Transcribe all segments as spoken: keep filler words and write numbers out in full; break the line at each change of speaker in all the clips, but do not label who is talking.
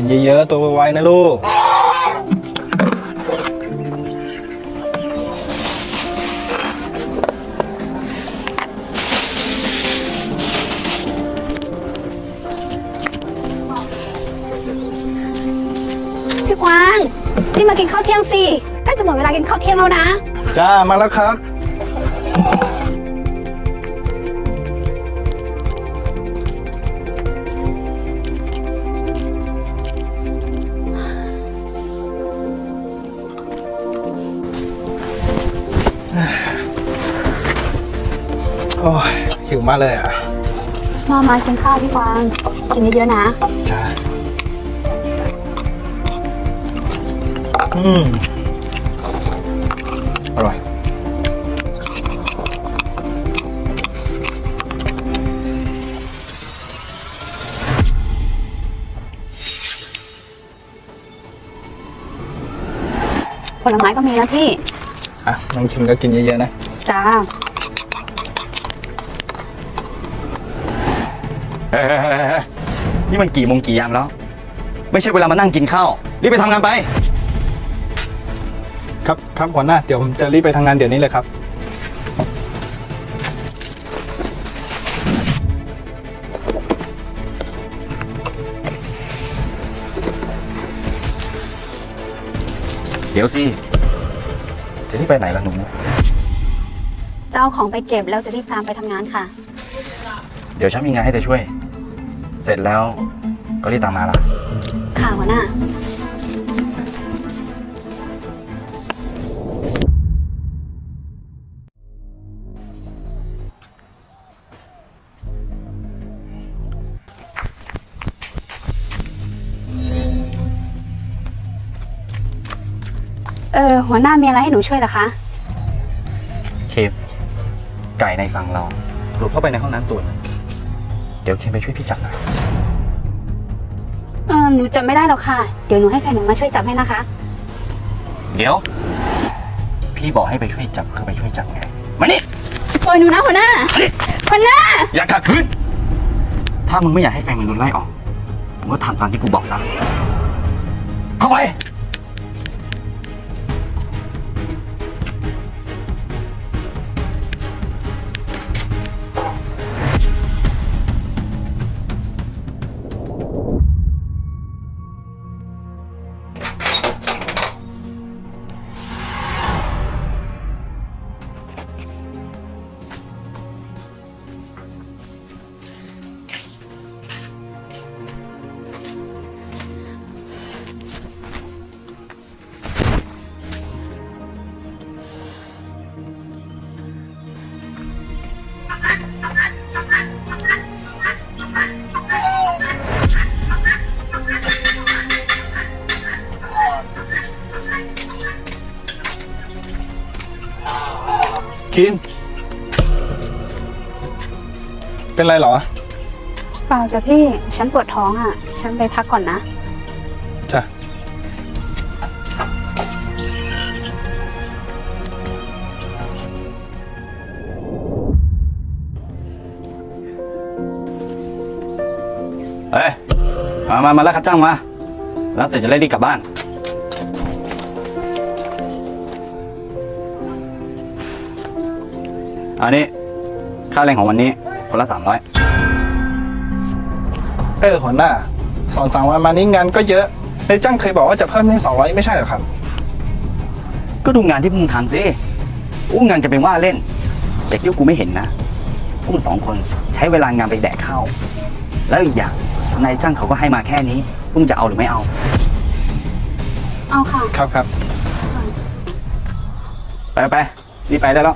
นเยอะๆตัวไวๆนะลูก
พี่กวางรีบมากินข้าวเที่ยงสิใกล้จะหมดเวลากินข้าวเที่ยงแล้วนะ
จ้ามาแล้วครับโอ้ยหิวมากเลยอ่ะ
มามากินข้าวพี่กวางกินเยอะๆนะ
จ้าอืมอร่อย
ผลไม้ก็มีนะพี่
อ่ะน้องชิมก็กินเยอะๆนะ
จ้า
เฮ้ยนี่มันกี่โมงกี่ยามแล้วไม่ใช่เวลามานั่งกินข้าวรีบไปทำงานไป
ครับครับหัวหน้าเดี๋ยวผมจะรีบไปทำงานเดี๋ยวนี้เลยครับ
เดี๋ยวสิจะรีบไปไหนล่ะหนู
จะเอาของไปเก็บแล้วจะรีบตามไปทำงานค่ะ
เดี๋ยวฉันมีงานให้เธอช่วยเสร็จแล้วก็รีบตามมาล่ะ
ค่ะหัวหน้าเออหัวหน้ามีอะไรให้หนูช่วยเหรอคะ
เคมไก่ในฝั่งเราหลุดเข้าไปในห้องน้ำตัวเดี๋ยวเคมไปช่วยพี่จับหน่อย
เออหนูจำไม่ได้หรอกค่ะเดี๋ยวหนูให้ใครหนูมาช่วยจับให้นะคะ
เดี๋ยวพี่บอกให้ไปช่วยจับคือไปช่วยจับไงมานี่
ปล่อยหนูนะหัวหน้าหัวหน้า
อย่าขัดขืนถ้ามึงไม่อยากให้แฟนมึงโดนไล่ออกมึงก็ทำตามที่กูบอกซะเข้าไป
คินเป็นไรเหรอ
เปล่าจ้ะพี่ฉันปวดท้องอ่ะฉันไปพักก่อนนะ
จ้ะ
เฮ้ยมามามาแล้วครับจ้างมาแล้วเสร็จจะได้รีบกลับบ้านอันนี้ค่าแรงของวันนี้คนละสามร้อย
เออหัวหน้าสองสามวันมานี้งานก็เยอะนายจ้างเคยบอกว่าจะเพิ่มให้สองร้อยไม่ใช่เหรอครับ
ก็ดูงานที่พวกมึงทำสิอู้งานจะเป็นว่าเล่นแต่ที่กูไม่เห็นนะพวกมึงสองคนใช้เวลางานไปแดกข้าวแล้วอีกอย่างนายจ้างเขาก็ให้มาแค่นี้พวกมึงจะเอาหรือไม่เอา
เอาค่ะ
ครับครับ
ไปไปรีบไปได้แล้ว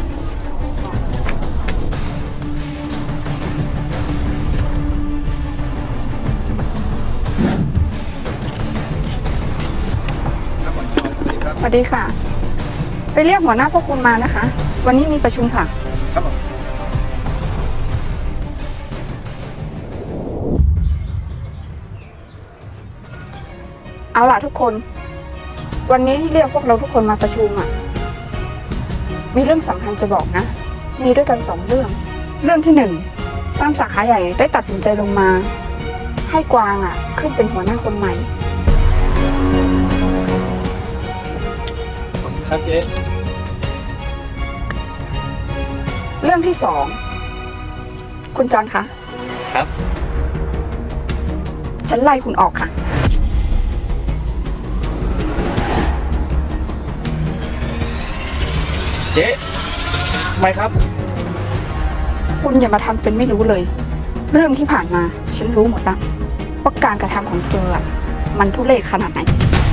สวัสดีค่ะไปเรียกหัวหน้าพวกคุณมานะคะวันนี้มีประชุมค่ะครับผมเอาล่ะทุกคนวันนี้ที่เรียกพวกเราทุกคนมาประชุมอ่ะมีเรื่องสำคัญจะบอกนะมีด้วยกันสองเรื่องเรื่องที่หนึ่งฟาร์มสาขาใหญ่ได้ตัดสินใจลงมาให้กวางอ่ะ ขึ้นเป็นหัวหน้าคนใหม่
ครับเจ๊
เรื่องที่สองคุณจอนคะ
ครับ
ฉันไล่คุณออกค่ะ
เจ๊ทำไมครับ
คุณอย่ามาทำเป็นไม่รู้เลย เรื่องที่ผ่านมา ฉันรู้หมดแล้วว่าการกระทำของเธออะมันทุเรศขนาดไหน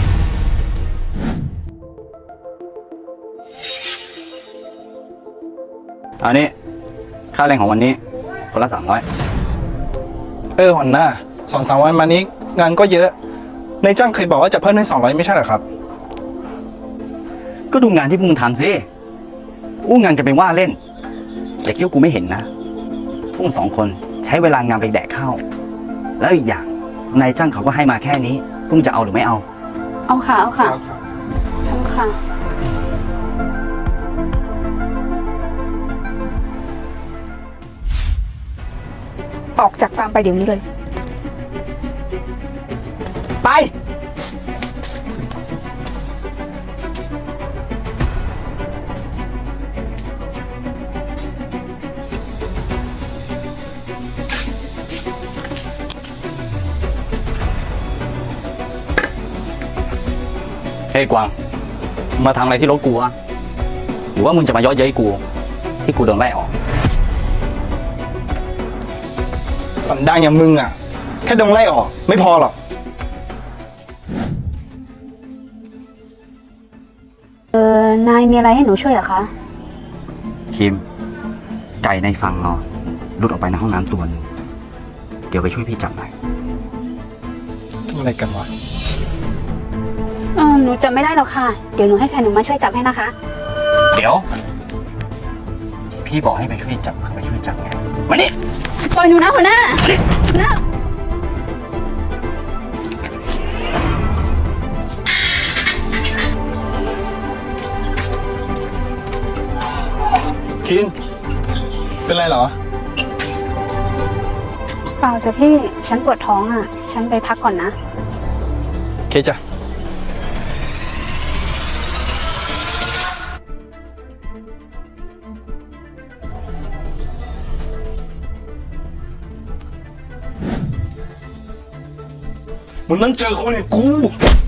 อันนี้ค่าแรงของวันนี้คนละสามร้อย
เออหัวหน้าสองสามวันมานี้งานก็เยอะนายจ้างเคยบอกว่าจะเพิ่มให้สองร้อยไม่ใช่เหรอครับ
ก็ดูงานที่พวกมึงทำสิอู้งานกันเป็นว่าเล่นอย่าคิดว่ากูไม่เห็นนะพวกมึงสองคนใช้เวลางานไปแดกข้าวแล้วอีกอย่างนายจ้างเขาก็ให้มาแค่นี้พวกมึงจะเอาหรือไม่เอา
เอาค่ะ เอาค่ะเอาค่ะ
ออกจากฟาร์มไปเดี๋ยวนี้เลย ไป
เฮ้ยกวางมึงมาทำอะไรที่รถกูวะหรือว่ามึงจะมาเย้อเย้ยกู ที่กูโดนไล่ออก
สันดานอย่างมึงอ่ะ แค่โดนไล่ออกไม่พอหรอก
เออนายมีอะไรให้หนูช่วยเหรอคะ
คิม ไก่ในฟังเราหลุดออกไปในห้องน้ำตัวหนึ่งเดี๋ยวไปช่วยพี่จับหน่อย
อะไรกันวะ
เออหนูจำไม่ได้หรอกค่ะ เดี๋ยวหนูให้แฟนหนูมาช่วยจับให้นะคะ
เดี๋ยว พี่บอกให้ไปช่วยจับคือไปช่วยจับไงมานี่
ปล่อยหนูนะหัวหน้าหัวหน้า
คิน เป็นไรเหรอ
เปล่าจ้ะพี่ ฉันปวดท้องอ่ะ ฉันไปพักก่อนนะ
โอเคจ้ะ มึงต้องเจอคนอย่างกู